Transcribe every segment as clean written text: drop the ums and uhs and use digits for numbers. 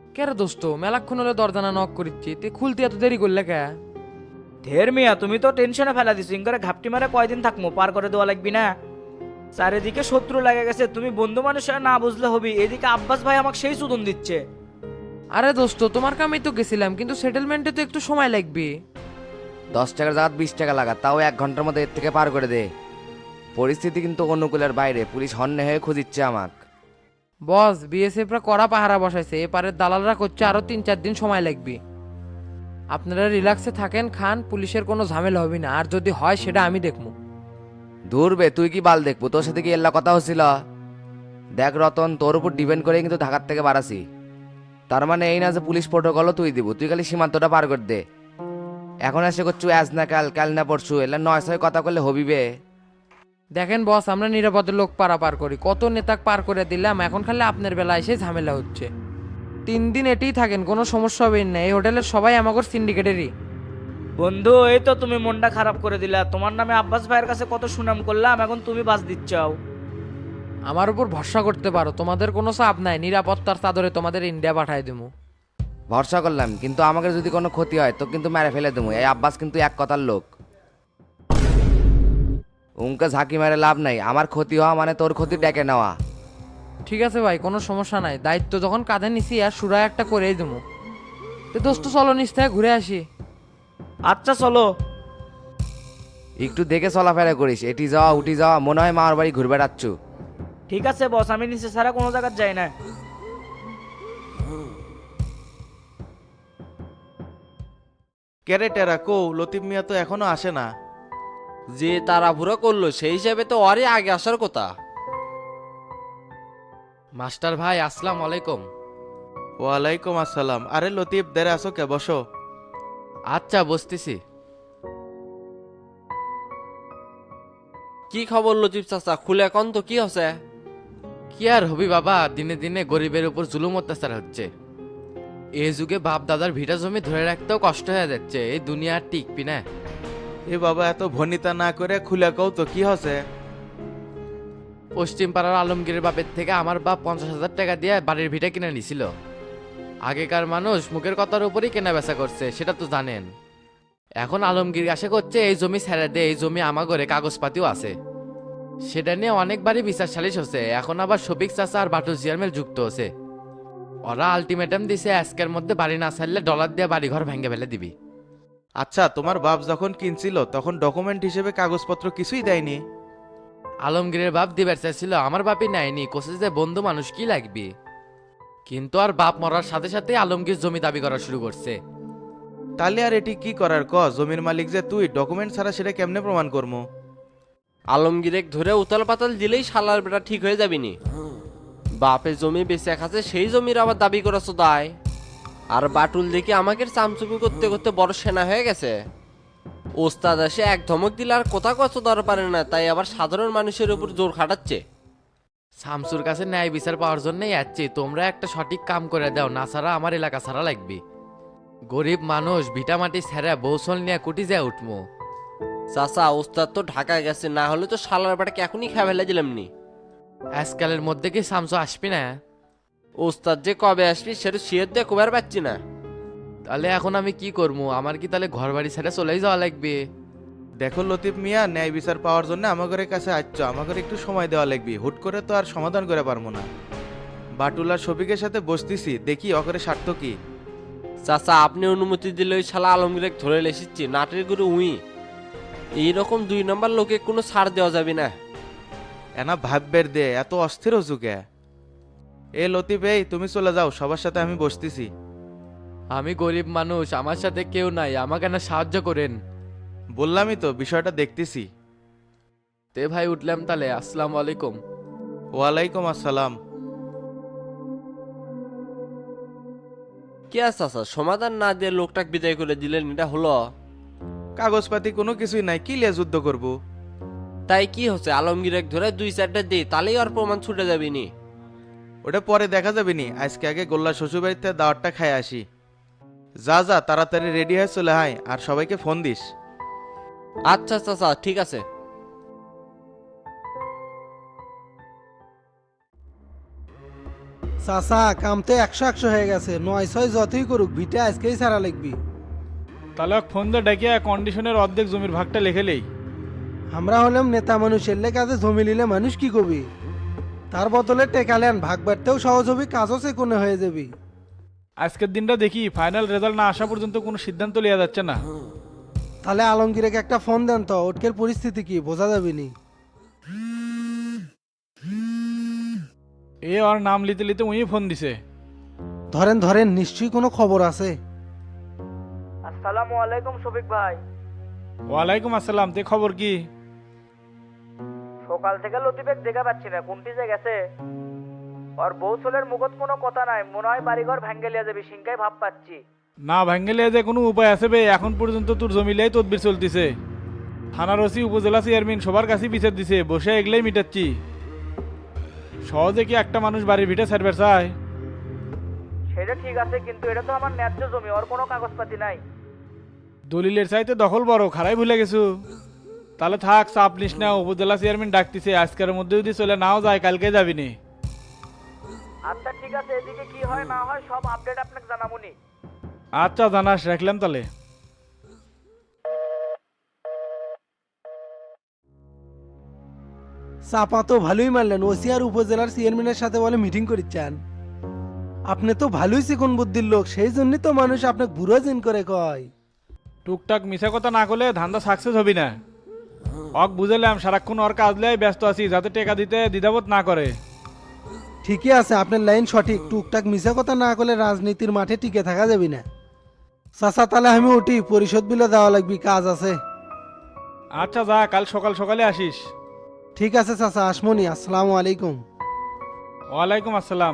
কে রে দোস্ত, মেলাক্ষণ হলে দরজানা নক করিচ্ছি, তুই খুলতে এত দেরি করলে কে? ঢের মিয়া, তুমি তো টেনশনে ফেলা দিছো ইন করে ঘাপটি মারে কয়দিন থাকবো, পার করে দেওয়া লাগবি না। চারিদিকে শত্রু লেগে গেছে, তুমি বন্ধু মানুষ হয়ে না বুঝলে হবি। এদিকে আব্বাস ভাই আমাকে সেই সুদন দিচ্ছে। আরে দোস্ত, তোমার কামেই তো গেছিলাম, কিন্তু সেটেলমেন্টে তো একটু সময় লাগবে। 10 টাকার জায়গা 20 টাকা লাগা, তাও 1 ঘন্টার মধ্যে এর থেকে পার করে দে। পরিস্থিতি কিন্তু অনুকূলের বাইরে, পুলিশ হন্যে হয়ে খুঁজিচ্ছে আমাক। বস, বিএসএফরা কড়া পাহারা বসাইছে, এপারের দালালরা করছে আরো 3-4 দিন সময় লাগবে। আপনারা রিল্যাক্সে থাকেন, খান, পুলিশের কোনো ঝামেলা হবে না, আর যদি হয় সেটা আমি দেখবো। ধুরবে, তুই কি বাল দেখবো? তোর সাথে কি এল্লা কথা হচ্ছিল? দেখ রতন, তোর উপর ডিপেন্ড করে কিন্তু ঢাকার থেকে বাড়াছি। তার মানে এই না যে পুলিশ প্রোটোকলও তুই দিব, তুই খালি সীমান্তটা পার করে দে। এখন এসে করছু আজ না কাল, কাল না পরশু, এলা 9-6 কথা করলে হবিবে। দেখেন বস, আমরা নিরাপদে লোক পারাপার করি, কত নেতাক পার করে দিলাম, এখন খালি আপনার বেলা এসে ঝামেলা হচ্ছে। 3 দিন এটেই থাকেন, কোনো সমস্যা হবে না, এই হোটেলের সবাই আমাগর সিন্ডিকেটেরই। বন্ধু, এই তো তুমি মনটা খারাপ করে দিলা। তোমার নামে আব্বাস ভাইয়ের কাছে কত সুনাম করলাম, এখন তুমি বাস দিচ্ছাও। আমার উপর ভরসা করতে পারো, তোমাদের কোনো চাপ নাই, নিরাপত্তার চাদরে তোমাদের ইন্ডিয়া পাঠাই দেবো। ভরসা করলাম, কিন্তু আমাকে যদি কোনো ক্ষতি হয় তো কিন্তু মেরে ফেলে দেবো। এই আব্বাস কিন্তু এক কথার লোক। উনকে ঝাঁকি মেরে লাভ নাই, আমার ক্ষতি হওয়া মানে তোর ক্ষতি ডেকে নেওয়া। ঠিক আছে ভাই, কোনো সমস্যা নাই, দায়িত্ব যখন কাঁধে নিছি আর সুরায় একটা করেই দেবো। তো দোস্ত চলো, নিচ থেকে ঘুরে আসি। আচ্ছা চলো। একটু দেখে চলাফেরা করিস, এটি যাওয়া উঠি যাওয়া, মনে হয় মামার বাড়ি ঘুরে বেড়াচ্ছু। ঠিক আছে বস, আমি নিচে ছাড়া কোনো জায়গায় যাই না। কেরে টেরা কো, লতিফ মিয়া তো এখনো আসে না। যে তাড়াহুড়ো করলো সেই হিসাবে তো অরে আগে আসার কথা। মাস্টার ভাই, আসসালামু আলাইকুম। ওয়ালাইকুম আসসালাম। আরে লতিফ, দেরে আসো কে, বসো। আচ্ছা, বসতেছি। কি খবর লতিফ চাচা, খুলে এখন তো কি হচ্ছে? কি আর হবি বাবা, দিনে দিনে গরিবের উপর জুলুম অত্যাচার হচ্ছে। এই যুগে বাপ দাদার ভিটা জমি ধরে রাখতেও কষ্ট হয়ে যাচ্ছে, এই দুনিয়া আর টিকবি না। এ বাবা, এত ভনিতা না করে খুলে কও তো কি হচ্ছে। পশ্চিম পাড়ার আলমগীরের বাপের থেকে আমার বাপ 50,000 টাকা দিয়ে বাড়ির ভিটা কিনে নিছিল। আগেকার মানুষ মুখের কথার উপরই কেনা বেচা করছে, সেটা তো জানেন। এখন আলমগীর আশা করছে এই জমি ছেড়ে দে, এই জমি আমাগরে, কাগজপাতিও আছে। সেটা নিয়ে অনেকবারই বিচার সালিশ হচ্ছে, এখন আবার শফিক চাচা আর বাটু চেয়ারম্যান যুক্ত হচ্ছে। ওরা আলটিমেটাম দিছে, আজকের মধ্যে বাড়ি না ছাড়লে ডলার দিয়ে বাড়ি ঘর ভেঙে ফেলে দিবি। আচ্ছা, তোমার বাপ যখন কিনছিল তখন ডকুমেন্ট হিসেবে কাগজপত্র কিছুই দেয়নি? আলমগীরের বাপ দিবার চাইছিল, আমার বাপই নেয়নি, কোসে যে বন্ধু মানুষ কি লাগবে। কিন্তু আর বাপ মরার সাথে সাথে আলমগীর জমি দাবি করা শুরু করছে। তাহলে আর এটি কি করার ক, জমির মালিক যে তুই, ডকুমেন্ট ছাড়া সেটা কেমনে প্রমাণ করবো? আলমগীরেক ধরে উতাল পাতাল দিলেই শালার বেটা ঠিক হয়ে যাবিনি। বাপের জমি বেঁচে খাচ্ছে, সেই জমির আবার দাবি করেছো দায়। আর বাটুল দেখি আমাকে চামচুমি করতে করতে বড় সেনা হয়ে গেছে। ওস্তাদ এসে এক ধমক দিলে আর কোথা কত দর পারে না, তাই আবার সাধারণ মানুষের উপর জোর খাটাচ্ছে। শামসুর কাছে ন্যায় বিচার পাওয়ার জন্যই যাচ্ছি, তোমরা একটা সঠিক কাম করে দাও, না ছাড়া আমার এলাকা ছাড়া লাগবে। গরিব মানুষ ভিটামাটি ছেড়ে বৌসল নিয়ে কুটি যায় উঠবো। চাচা, ওস্তাদ তো ঢাকায় গেছে, না হলে তো শালার বেটাকে এখনই খেয়ে ফেলে দিলাম নি। আজকালের মধ্যে কি শামসু আসবি না? ওস্তাদ যে কবে আসবি সেটা শিয়র দিয়ে কবার পাচ্ছি না। তাহলে এখন আমি কি করবো? আমার কি তাহলে ঘর বাড়ি ছেড়ে চলেই যাওয়া লাগবে? দেখো লতিফ মিয়া, ন্যায় বিচার পাওয়ার জন্য আমাদের কাছে আসছ, আমাদের একটু সময় দেওয়া লাগবে। হুট করে তো আর সমাধান করে পারবো না। বাটুল আর শফিকের সাথে বসতেছি, দেখি অকরে স্বার্থ কি। চাচা, আপনি অনুমতি দিলে ওই শালা আলমগীরে ধরে লেসিচ্ছি, নাটের গুরু উই। এইরকম 2 নম্বর লোকে কোনো ছাড় দেওয়া যাবে না। এনা ভাববের দে, এত অস্থির হচ্ছু কে? এ লতিফ, এই তুমি চলে যাও, সবার সাথে আমি বসতেছি। আমি গরিব মানুষ, আমার সাথে কেউ নাই, আমাকে না সাহায্য করেন। বললামই তো, বিষয়টা দেখতেছি। তে ভাই, উঠলাম তাহলে, আসসালামু আলাইকুম। ওয়ালাইকুম আসসালাম। কি আছে চাচা, সমাধান না দিয়ে লোকটাকে বিদায় করে দিলেন, এটা হলো? কাগজপাতি কোনো কিছুই নাই, কি লিয়ে যুদ্ধ করব? তাই কি হচ্ছে, আলমগীরে ধরে 2-4টা দিই, তাহলেই আর প্রমাণ ছুটে যাবিনি। ওটা পরে দেখা যাবে নি, আজকে আগে গোল্লা শ্বশুরবাড়িতে দাওয়াতটা খাই আসি। যা যা, তাড়াতাড়ি রেডি হয়ে চলে আয়, আর সবাইকে ফোন দিস। আচ্ছা চাচা, ঠিক আছে। চাচা কাম তো 100-100 হয়ে গেছে, 9-6 যতই করুক ভিটা আজকেই ছাড়া লিখবি। তাহলে ওকে ফোন দিয়ে ডেকে কন্ডিশনের অর্ধেক জমির ভাগটা লিখেলেই। আমরা হলাম নেতা মানুষ, এলে কাজে জমি নিলে মানুষ কি কবি, তার বদলে টেকালেন ভাগ বাড়তেও সহজ হবি, কাজও সেকোনে হয়ে যাবি। আজকের দিনটা দেখি, ফাইনাল রেজাল্ট না আসা পর্যন্ত কোনো সিদ্ধান্ত নেওয়া যাচ্ছে না। তাহলে আলমগীরকে একটা ফোন দেন তো, ওটকের পরিস্থিতি কি বোঝা যাবে নি। এ ওর নাম লিতে লিতে উনি ফোন দিছে। ধরেন ধরেন, নিশ্চয়ই কোনো খবর আছে। আসসালামু আলাইকুম শফিক ভাই। ওয়ালাইকুম আসসালাম, তে খবর কি? সকাল থেকে লতিফেক দেখা পাচ্ছি না, কোনটি যে গেছে। আর বউ ছেলের মুখত কোনো কথা নাই, মনে হয় বাড়িঘর ভেঙ্গে লিয়ে যাবি, সিংকাই ভাব পাচ্ছি। না ভাঙ্গেলে যে কোনো উপায় আছে বে? এখন পর্যন্ত তোর জমিলেই তদবির চলতিছে। থানার ওসি, উপজেলা চেয়ারম্যান সবার কাছেই বিচার দিছে, বসে এগলেই মিটাচ্ছি। সহজে কি একটা মানুষ বাড়ির ভিটে ছাড়বে চায়? সেটা ঠিক আছে, কিন্তু এটা তো আমার ন্যায্য জমি, ওর কোনো কাগজপাতি নাই। দলিলের চাইতে দখল বড়, খারাই ভুলে গেছো। তাহলে থাক, চাপ নিস না, উপজেলা চেয়ারম্যান ডাকতেছে, আজকের মধ্যে যদি চলে নাও যায় কালকে যাবিনি। আচ্ছা ঠিক আছে, এদিকে কি হয় না হয় সব আপডেট আপনাকে জানাবনি। আচ্ছা জানাস, রাখলাম তাহলে। চাপা তো ভালোই মারলেন, ওসি আর উপজেলার চেয়ারম্যানের সাথে বলে মিটিং করিচ্ছেন। আপনি তো ভালোই চিকন বুদ্ধির লোক, সেই জন্যই তো মানুষ আপনাকে বুড়ো জিন করে কয়। টুকটাক মিছা কথা না করলে ধান্দা সাকসেস হবি না। অক বুঝালাম, সারাক্ষণ ওর কাজ লাই ব্যস্ত আছি, যাতে টেকা দিতে দ্বিধাবোধ না করে। ঠিকই আছে, আপনার লাইন সঠিক, টুকটাক মিশা কথা না করলে রাজনীতির মাঠে টিকে থাকা যাবে না। চাচা তাহলে আমি উঠি, পরিশোধ বিলে দেওয়া লাগবে, কাজ আছে। আচ্ছা যা, কাল সকাল সকালে আসিস। ঠিক আছে চাচা, আসমনি। আসসালামু আলাইকুম। ওয়ালাইকুম আসসালাম।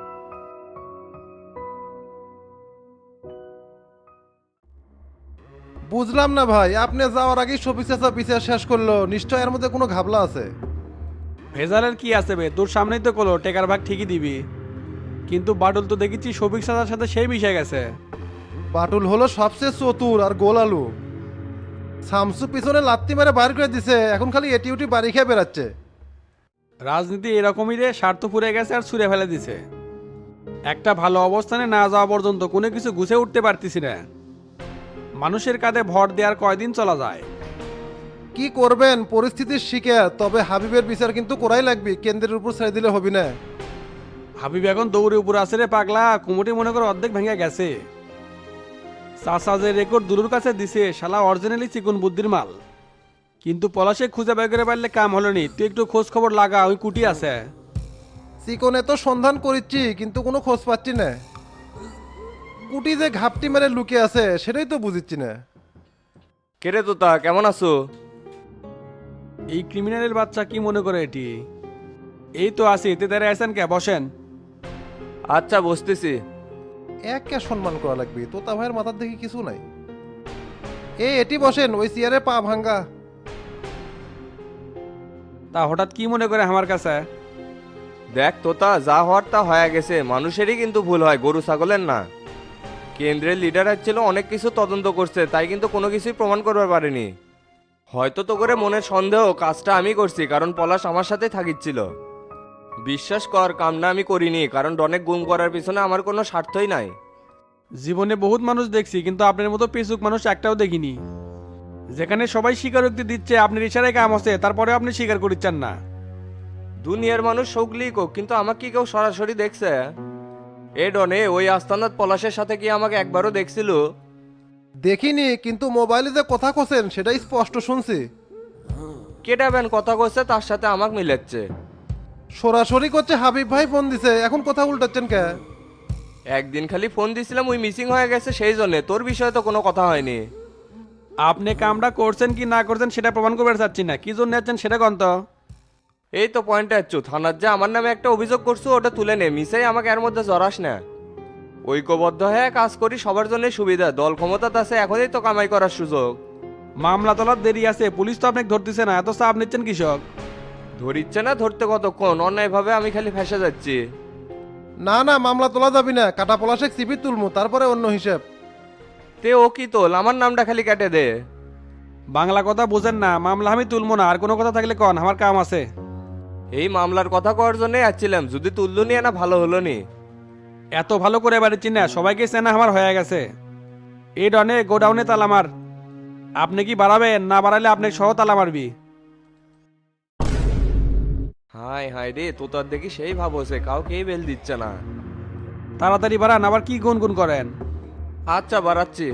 বুঝলাম না ভাই, আপনি যাওয়ার আগেই শফিক চাচা বিচার শেষ করলো, নিশ্চয় এর মধ্যে কোনো ঘাবলা আছে। ভেজালের কি আছে বে, তোর সামনেই তো কলো টেকার ভাগ ঠিকই দিবি। কিন্তু বাটুল তো দেখেছি শফিক সাদার সাথে সেই মিশে গেছে। বাটুল হলো সবচেয়ে চতুর আর গোল আলু। শামসু পিছনে লাত্তি মেরে বাইর করে দিছে, এখন খালি এটি উটি বাড়ি খেয়ে বেড়াচ্ছে। রাজনীতি এরকমই রে, স্বার্থ ফুরে গেছে আর ছুঁড়ে ফেলে দিছে। একটা ভালো অবস্থানে না যাওয়া পর্যন্ত কোনো কিছু গুছে উঠতে পারতিস না। মানুষের কাঁধে ভর দেওয়ার কয়দিন চলা যায়। কি করবেন, পরিস্থিতির শিকার। তবে হাবিবের বিচার কিন্তু করাই লাগবে, কেন্দ্রের উপর ছেড়ে দিলে হবি না। হাবিব এখন দৌড়ে উপর আছে রে পাগলা, কুমুটি মনে করে অর্ধেক ভেঙে গেছে। চাষা যে রেকর্ড দুলুর কাছে দিছে, শালা অরিজিনালি চিকন বুদ্ধির মাল। কিন্তু পলাশে খুঁজে বের করে পারলে কাম হলো নি, তুই একটু খোঁজ খবর লাগা, ওই কুটি আছে। চিকনে তো সন্ধান করিচ্ছি, কিন্তু কোনো খোঁজ পাচ্ছি না। কুটি যে ঘাপটি মেরে লুকিয়ে আছে সেটাই তো বুঝিচ্ছি না। কেরে তোতা, কেমন আছো? এই ক্রিমিনালের বাচ্চা কি মনে করে এটি? এই তো আছি, এতে দাঁড়িয়ে আছেন কে, বসেন। আচ্ছা বসতেছি। কে সম্মান করা লাগবে, তোতা ভাইয়ের মাথার দেখি কিছু নাই। এটি বসেন, ওই চেয়ারে পা ভাঙ্গা। তা হঠাৎ কি মনে করে আমার কাছে? দেখ তোতা, যা হওয়ার তা হয়ে গেছে, মানুষেরই কিন্তু ভুল হয়, গরু ছাগলের না। কেন্দ্রের লিডার ছিল, অনেক কিছু তদন্ত করছে, তাই কিন্তু কোনো কিছুই প্রমাণ করতে পারেনি। হয়তো তো করে মনের সন্দেহ, কাজটা আমি করছি, কারণ পলাশ আমার সাথে থাকিচ্ছিল। বিশ্বাস কর, কামনা আমি করিনি, কারণ অনেক গুম করার পিছনে আমার কোনো স্বার্থই নাই। জীবনে বহুত মানুষ দেখছি, কিন্তু আপনার মতো পেসুক মানুষ একটাও দেখিনি। যেখানে সবাই স্বীকারোক্তি দিচ্ছে আপনার ইশারায় কাম আছে, তারপরে আপনি স্বীকার করিচ্ছেন না। দুনিয়ার মানুষ সৌগলি কোক, কিন্তু আমাকে কি কেউ সরাসরি দেখছে? এ ডনে, ওই আস্তানাত পলাশের সাথে কি আমাকে একবারও দেখছিল? দেখিনি, কিন্তু মোবাইলে যে কথা কোসেন সেটাই স্পষ্ট শুনছি। কেটা ব্যান কথা কচ্ছে, তার সাথে আমাকে মিলাচ্ছে। সরাসরি করছে হাবিব ভাই ফোন দিছে, এখন কথা উল্টাচ্ছেন কে? একদিন খালি ফোন দিছিলাম, ওই মিসিং হয়ে গেছে, সেই জন্য। তোর বিষয়ে তো কোনো কথা হয়নি। আপনি কামটা করছেন কি না করছেন সেটা প্রমাণ করতে চাচ্ছি না, কি জন্য যাচ্ছেন সেটা কন্ত। এই তো পয়েন্টে আছো, থানার যে আমার নামে একটা অভিযোগ করছো ওটা তুলে নে, মিসাই আমাকে এর মধ্যে জড়াস না। ঐক্যবদ্ধ হয়ে কাজ করি, সবার জন্য সুবিধা। দল ক্ষমতা আছে, এখনই তো কামাই করার সুযোগ। মামলা তোলার দেরি আছে, পুলিশ তো আপনাকে ধরতেছে না, এত চাপ নিচ্ছেন কৃষক। ধরিচ্ছে না, ধরতে কতক্ষণ? অন্যায়ভাবে আমি খালি ফেসে যাচ্ছি। না না, মামলা তোলা যাবি না, কাটা পলাশে সিপি তুলমু, তারপরে অন্য হিসেব। তে ও কি তোল, আমার নামটা খালি কেটে দে। বাংলা কথা বোঝেন না, মামলা আমি তুলবো না, আর কোনো কথা থাকলে কন, আমার কাম আছে। এই মামলার কথা কওয়ার জন্যই আসছিলাম, যদি তুললো নি না ভালো হলো নি। এত ভালো করে বাড়ি চিনা সবাইকে চেনা আমার হয়ে গেছে। এই ডনে গোডাউনে তালা মার। আপনি কি বাড়াবেন? না বাড়ালে আপনি সহ তালা মারবি। হাই হাই রে, তো তার দেখি সেই ভাব হচ্ছে, কাউকেই বেল দিচ্ছে না। তাড়াতাড়ি বাড়ান, আবার কি গুনগুন করেন? আচ্ছা বাড়াচ্ছি।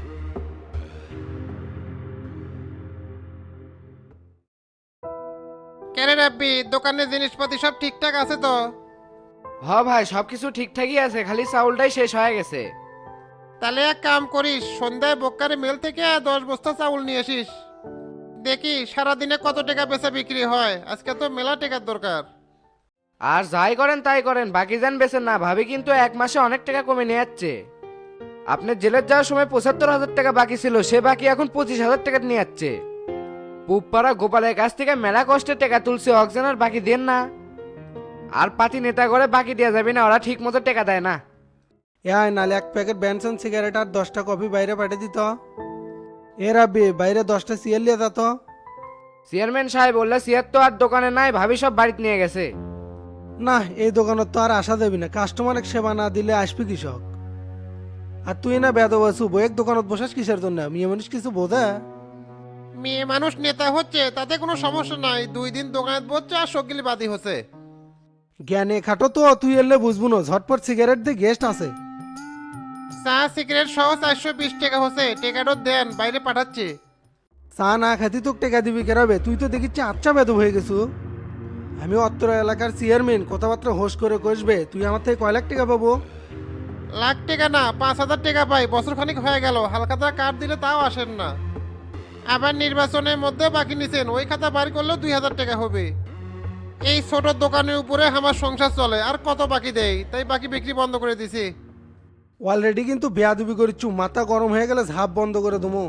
কেন রাব্বি, দোকানের জিনিসপাতি সব ঠিকঠাক আছে তো? হ ভাই, সবকিছু ঠিকঠাকই আছে, খালি চাউলটাই শেষ হয়ে গেছে। তাহলে এক কাম করিস, সন্ধ্যায় বক্কারে মেল থেকে 10 বস্তা চাউল নিয়ে আসিস। দেখি সারাদিনে কত টাকা বেচা বিক্রি হয়, আজকে তো মেলা টাকার দরকার। আর যাই করেন তাই করেন, বাকি যান বেছেন না। ভাবি কিন্তু 1 মাসে অনেক টাকা কমে নিয়ে যাচ্ছে। আপনার জেলের যাওয়ার সময় 75,000 টাকা বাকি ছিল, সে বাকি এখন 25,000 টাকা নিয়ে যাচ্ছে। পুপাড়া গোপালের কাছ থেকে মেলা কষ্টের টাকা তুলছে, অক্সিজেনের বাকি দেন না। আর পাতি নেতা করে বাকি দেওয়া যাবে না, ওরা ঠিক মতো টাকা দেয় না। নালে 1 প্যাকেট ব্যানসন সিগারেট আর 10টা কফি বাইরে পাঠিয়ে দিত। এ রাব্বি, বাইরে 10টা সিয়ার লিয়ে যেত। চেয়ারম্যান সাহেব বললে সিয়ার তো আর দোকানে নাই, ভাবি সব বাড়িতে নিয়ে গেছে। না, এই দোকানত তো আর আসা দেবি না, কাস্টমারের সেবা না দিলে আসবি কৃষক। আর তুই না বেদ বসু বইয়ের দোকানত বসাস কিসের জন্য? মেয়ে মানুষ কিছু বোঝে? মেয়ে মানুষ নেতা হচ্ছে তাতে কোনো সমস্যা নাই, 2 দিন দোকানে বসছে আর সকিলি বাদি হচ্ছে। জ্ঞানে খাটো তো, তুই এলে বুঝবো না। ঝটপট সিগারেট দিয়ে গেস্ট আছে। চা সিগারেট সহ 420 টাকা হচ্ছে, টাকাটা দেন, বাইরে পাঠাচ্ছি। চা না খাতি তোকে টাকা দিবি কেরাবে? তুই তো দেখিচ্ছি আচ্ছা বেদ হয়ে গেছু। আমি অত্র এলাকার চেয়ারম্যান, কথাবার্তা হোস করে কষবে। তুই আমার থেকে কয় লাখ টাকা পাবো? লাখ টাকা না, 5,000 টাকা পাই। বছর খানিক হয়ে গেল, হালখাতা কার্ড দিলে তাও আসেন না। আবার নির্বাচনের মধ্যে বাকি নিছেন, ওই খাতা বাড়ি করলেও 2,000 টাকা হবে। এই ছোট দোকানের উপরে আমার সংসার চলে, আর কত বাকি দেয়, তাই বাকি বিক্রি বন্ধ করে দিছি। অলরেডি কিন্তু বেয়াদুবি করিচ্ছু, মাথা গরম হয়ে গেলে ঝাপ বন্ধ করে দেবো।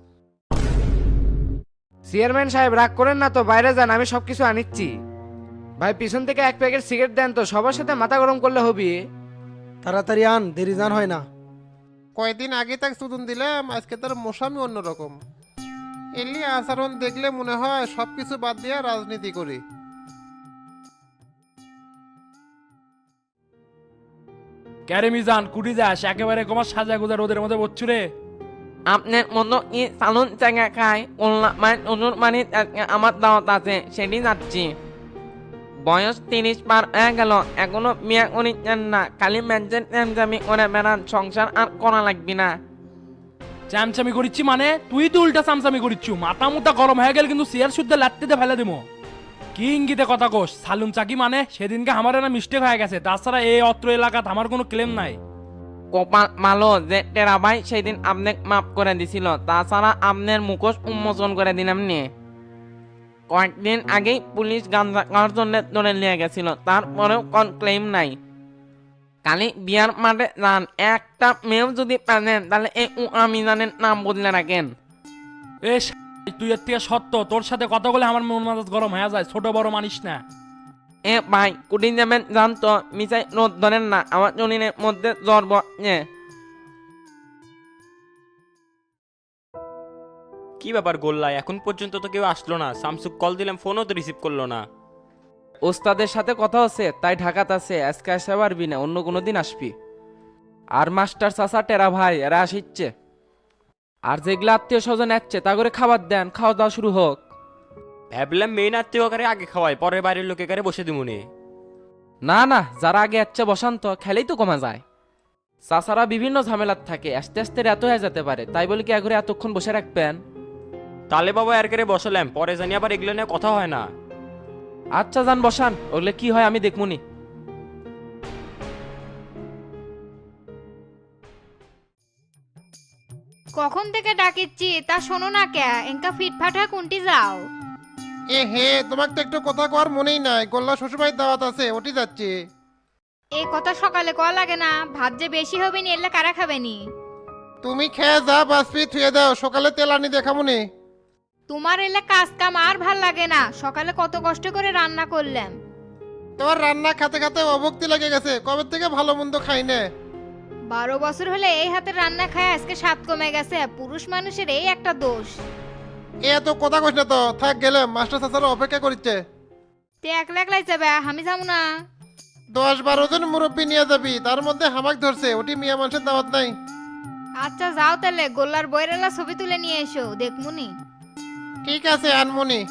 চেয়ারম্যান সাহেব রাগ করেন না তো, বাইরে যান, আমি সবকিছু আনিচ্ছি। ভাই পিছন থেকে 1 প্যাকেট সিগারেট দেন তো, সবার সাথে মাথা গরম করলে হবি। তাড়াতাড়ি আন, দেরি জান হয় না। কয়েকদিন আগে তাকে সুদন দিলাম, আজকে তার মশামি অন্যরকম। এলি আচরণ দেখলে মনে হয় সবকিছু বাদ দিয়ে রাজনীতি করি। ক্যারে মিজান কুটি যাস, একেবারে কমার সাজা গোজা রোদের মধ্যে বচ্ছু রে। আপনার মতো কি সালুন জায়গা খায় মানে আমার দাওয়াত আছে, সেটি যাচ্ছি। বয়স 30 পার হয়ে গেল, এখনো বিয়ে করিচ্ছেন না, খালি ম্যানজেন চ্যামচামি করে বেড়ান, সংসার আর করা লাগবি না। চামচামি করিচ্ছি মানে? তুই তো উল্টা চামচামি করিচ্ছু। মাথা মুথা গরম হয়ে গেল কিন্তু চেয়ার শুদ্ধ লাত্তিতে ফেলে দেবো। কি ইঙ্গিতে কথা কোস? সালুন চাকি মানে? সেদিনকে আমার না মিস্টেক হয়ে গেছে, তাছাড়া এই অত্র এলাকাত আমার কোনো ক্লেম নাই। কপাল ভালো যে টেরা ভাই সেদিন আপনি মাফ করে দিছিল, তাছাড়া আপনার মুখোশ উন্মোচন করে দিলাম নিয়ে। কয়েকদিন আগেই পুলিশ গাঞ্জা খাওয়ার জন্য ধরে নিয়ে গেছিল, তারপরেও কোন ক্লেম নাই। কালি বিয়ার মাঠে যান, একটা মেয়েও যদি পানেন তাহলে এই আমি জানেন নাম বদলে রাখেন। এ তুই এর থেকে সত্য, তোর সাথে কথা বলে আমার মন মেজাজ গরম হয়ে যায়, ছোট বড় মানিস না। এ ভাই কুটি যাবেন জান তো, মিসাই রোদ ধরেন না, আমার জনিনের মধ্যে জ্বর বসে। কি ব্যাপার গোল্লা, এখন পর্যন্ত তো কেউ আসলো না? সামসুক কল দিলাম, ফোনও তো রিসিভ করলো না। ওস্তাদের সাথে কথা হচ্ছে, তাই ঢাকাত আছে, আজকে আসতে পারবি না, অন্য কোনো দিন আসবি। আর মাস্টার চাচা টেরা ভাই এরা আসিচ্ছে। আর যেগুলো আত্মীয় স্বজন আসছে তা করে খাবার দেন, খাওয়া দাওয়া শুরু হোক। ভাবলাম মেইন আত্মীয়কারে আগে খাওয়াই, পরে বাড়ির লোকেকারে বসে দিমুনি। না না, যারা আগে আসছে বসান তো, খেলেই তো কমা যায়। চাচারা বিভিন্ন ঝামেলার থাকে, আস্তে আস্তে রাত হয়ে যেতে পারে, তাই বলে কি একঘরে এতক্ষণ বসে রাখবেন? তালে বাবা এর করে বসলাম, পরে জানি আবার এগুলো নিয়ে কথা হয় না। আচ্ছা যান বসান, ওগুলো কি হয় আমি দেখমুনি। কখন থেকে ডাকিচ্ছি তা শোনো না কে? এঙ্কা ফিটফাটা কোনটি যাও? এ হে, তোমাকে তো একটু কথা কর মনেই নাই, গোল্লা শ্বশুরবাড়ির দাওয়াত আছে, ওটি যাচ্ছি। এই কথা সকালে কয়া লাগে না? ভাত যে বেশি হবে নি, এলে কারা খাবেনি? তুমি খেয়ে যা, বাসপি থুয়ে দাও, সকালে তেল আনি দেখামুনি। তোমার এলে কাজ কাম আর ভাল লাগে না, সকালে কত কষ্ট করে রান্না করলাম। তোমার রান্না খাতে খাতে অভক্তি লেগে গেছে, কবে থেকে ভালো মন্দ খাই না। 12 বছর হলে এই হাতের রান্না খায় আজকে স্বাদ কমে গেছে, পুরুষ মানুষের এই একটা দোষ। এ তো কথা কইস না তো, থাক গেলে, মাস্টার চাচারা অপেক্ষা করছে। তে একলা একলাই যাবে, আমি যাবো না। 10-12 জন মুরব্বী নিয়ে যাবি, তার মধ্যে হামাক ধরছে, ওটি মিয়া মানুষের দাওয়াত নাই। আচ্ছা যাও তাহলে, গোল্লার বইরেলা ছবি তুলে নিয়ে এসো দেখমুনি। ঠিক আছে আনমনি।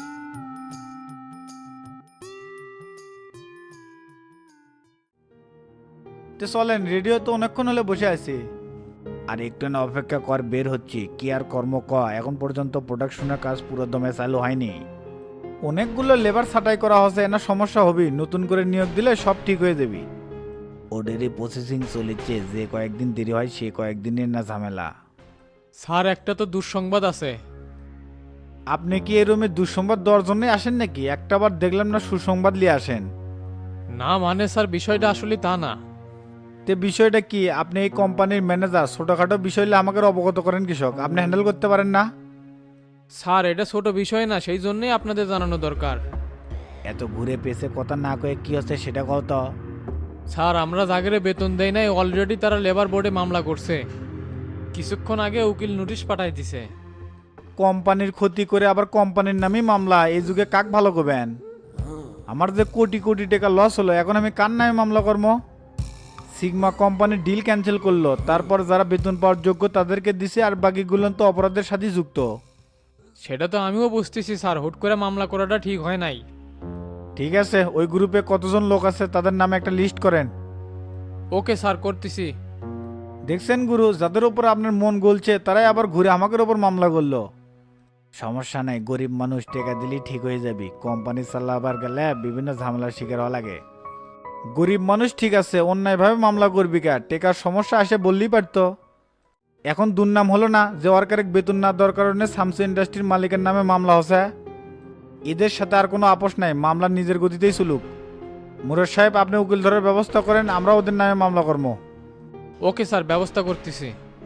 তো চলেন, রেডিও তো অনেকক্ষণ হলে বসে আছি। আর একটু না অপেক্ষা কর, বের হচ্ছি। কি আর কর্ম এখন পর্যন্ত প্রোডাকশনের কাজ পুরো দমে চালু হয়নি। অনেকগুলো লেবার ছাঁটাই করা হচ্ছে, না সমস্যা হবে, নতুন করে নিয়োগ দিলে সব ঠিক হয়ে যাবে। ওদেরই প্রসেসিং চলেছে, যে কয়েকদিন দেরি হয় সে কয়েকদিনের না ঝামেলা। স্যার একটা তো দুঃসংবাদ আছে। আপনি কি এই রুমে দুঃসংবাদ দেওয়ার জন্য আসেন নাকি? একটাবার দেখলাম না সুসংবাদ নিয়ে আসেন। না মানে স্যার, বিষয়টা আসলে তা না। তে বিষয়টা কি? আপনি এই কোম্পানির ম্যানেজার, ছোটখাটো বিষয় হলে আমাকে অবগত করেন কৃষক, আপনি হ্যান্ডেল করতে পারেন না? স্যার এটা ছোট বিষয় না, সেই জন্যই আপনাদের জানানো দরকার। এত ঘুরে পেছে কথা না কয়ে কি হচ্ছে সেটা কও তো। স্যার আমরা জাগরে বেতন দেই নাই, অলরেডি তারা লেবার বোর্ডে মামলা করছে। কিছুক্ষণ আগে উকিল নোটিশ পাঠাই দিছে। কোম্পানির ক্ষতি করে আবার কোম্পানির নামেই মামলা, এই যুগে কাক ভালো করবেন? আমার যে কোটি কোটি টাকা লস হলো, এখন আমি কার নামে মামলা করবো? সিগমা কোম্পানির ডিল ক্যান্সেল করলো, তারপর যারা বেতন পাওয়ার যোগ্য তাদেরকে দিছে, আর বাকিগুলো তো অপরাধের সাথে যুক্ত। সেটা তো আমিও বুঝতেছি স্যার, হুট করে মামলা করাটা ঠিক হয় নাই। ঠিক আছে, ওই গ্রুপে কতজন লোক আছে তাদের নামে একটা লিস্ট করেন। ওকে স্যার, করতেছি। দেখছেন গুরু, যাদের উপর আপনার মন গলছে তারাই আবার ঘুরে আমাদের উপর মামলা করলো। সমস্যা নাই, গরিব মানুষ টাকা দিলেই ঠিক হয়ে যাবি। কোম্পানি চালাবার গেলে বিভিন্ন ঝামেলার শিকার হওয়া লাগে। গরিব মানুষ ঠিক আছে, অন্যায়ভাবে মামলা করবি কা? টেকার সমস্যা আসে বললেই পারতো। এখন দুর্নাম হলো না যে ওয়ার্কারের বেতন না দেওয়ার কারণে সামসু ইন্ডাস্ট্রির মালিকের নামে মামলা হচ্ছে। এদের সাথে আর কোনো আপোষ নাই, মামলা নিজের গতিতেই চলুক। মুরাদ সাহেব, আপনি উকিল ধরার ব্যবস্থা করেন, আমরা ওদের নামে মামলা করবো। ওকে স্যার, ব্যবস্থা করতেছি।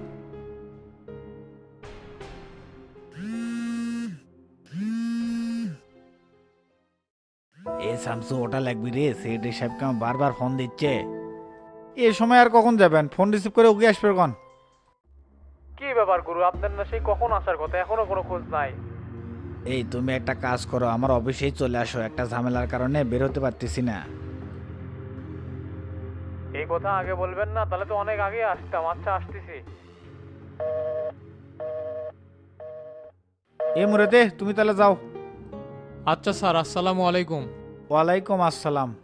এ শামসু, ওটা লাগবি রে, সেক্রেটারি সাহেবকে আমার বারবার ফোন দিচ্ছে। এ সময় আর কখন যাবেন? ফোন রিসিভ করে ওকে আসবে কখন? কি ব্যাপার গুরু, আপনার না সেই কখন আসার কথা, এখনো কোনো খোঁজ নাই? এই তুমি একটা কাজ করো, আমার অফিসেই চলে আসো, একটা ঝামেলার কারণে বের হতে পারতেছি না। এই কথা আগে বলবেন না, তাহলে তো অনেক আগে আসতাম। আচ্ছা আসতেছি। এ মুরাদে, তুমি তাহলে যাও। আচ্ছা স্যার, আসসালামু আলাইকুম। ওয়ালাইকুম আসসালাম।